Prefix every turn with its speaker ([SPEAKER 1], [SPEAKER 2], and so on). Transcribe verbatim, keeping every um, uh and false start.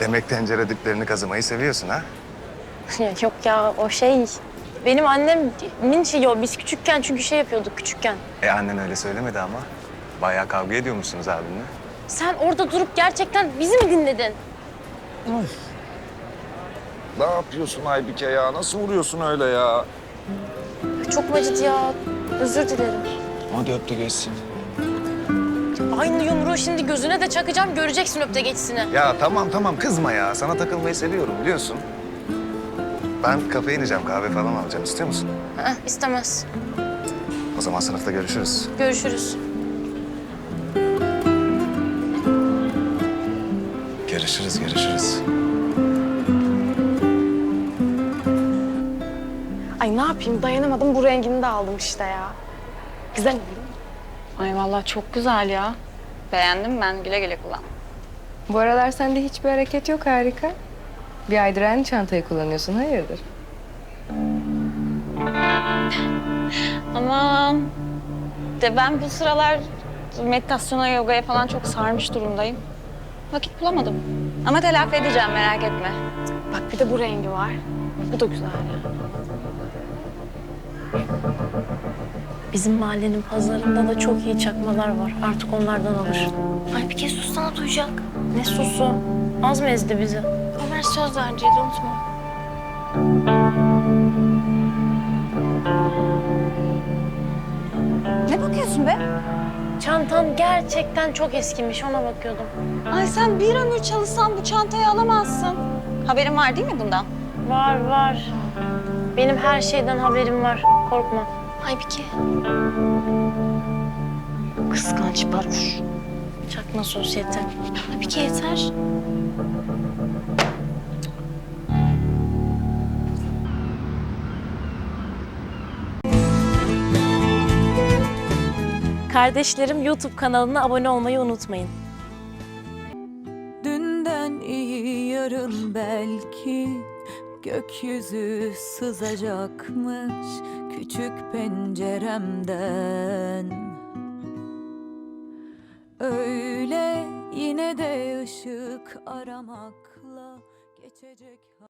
[SPEAKER 1] Demek tencere diplerini kazımayı seviyorsun ha?
[SPEAKER 2] Ya yok ya o şey. Benim annemin şeyi o. Biz küçükken çünkü şey yapıyorduk küçükken.
[SPEAKER 1] E annen öyle söylemedi ama. Bayağı kavga ediyor musunuz abinle?
[SPEAKER 2] Sen orada durup gerçekten bizi mi dinledin?
[SPEAKER 3] Ne yapıyorsun Aybike ya? Nasıl vuruyorsun öyle ya?
[SPEAKER 2] Çok mu acıdı ya? Özür dilerim.
[SPEAKER 3] Hadi öp de geçsin.
[SPEAKER 2] Aynı yumruğu şimdi gözüne de çakacağım. Göreceksin öpte geçsini.
[SPEAKER 1] Ya tamam tamam kızma ya. Sana takılmayı seviyorum biliyorsun. Ben kafeye ineceğim, kahve falan alacağım. İstiyor musun?
[SPEAKER 2] Heh, istemez.
[SPEAKER 1] O zaman sınıfta görüşürüz.
[SPEAKER 2] Görüşürüz.
[SPEAKER 1] Görüşürüz, görüşürüz.
[SPEAKER 4] Ay ne yapayım dayanamadım bu rengini de aldım işte ya. Güzel oldu.
[SPEAKER 5] Ay vallahi çok güzel ya. Beğendim ben. Güle güle kullan.
[SPEAKER 6] Bu aralar sende hiçbir hareket yok, harika. Bir aydır aynı çantayı kullanıyorsun, hayırdır?
[SPEAKER 5] Aman. De ben bu sıralar meditasyona, yogaya falan çok sarmış durumdayım. Vakit bulamadım. Ama telafi edeceğim, merak etme.
[SPEAKER 4] Bak bir de bu rengi var. Bu da güzel ya.
[SPEAKER 2] Bizim mahallenin pazarında da çok iyi çakmalar var. Artık onlardan alır. Ay bir kez sussana duyacak. Ne susu? Az mı ezdi bizi? Ömer söz vereceğiz unutma.
[SPEAKER 5] Ne bakıyorsun be?
[SPEAKER 2] Çantan gerçekten çok eskimiş. Ona bakıyordum.
[SPEAKER 5] Ay sen bir ömür çalışsan bu çantayı alamazsın. Haberin var değil mi bundan?
[SPEAKER 2] Var var. Benim her şeyden haberim var. Korkma. Aybike. Kıskanç baruş. Çakma sosyete. Aybike yeter. Kardeşlerim YouTube kanalına abone olmayı unutmayın.
[SPEAKER 7] Dünden iyi yarın belki gökyüzü sızacakmış küçük penceremden. Öyle yine de ışık aramakla geçecek.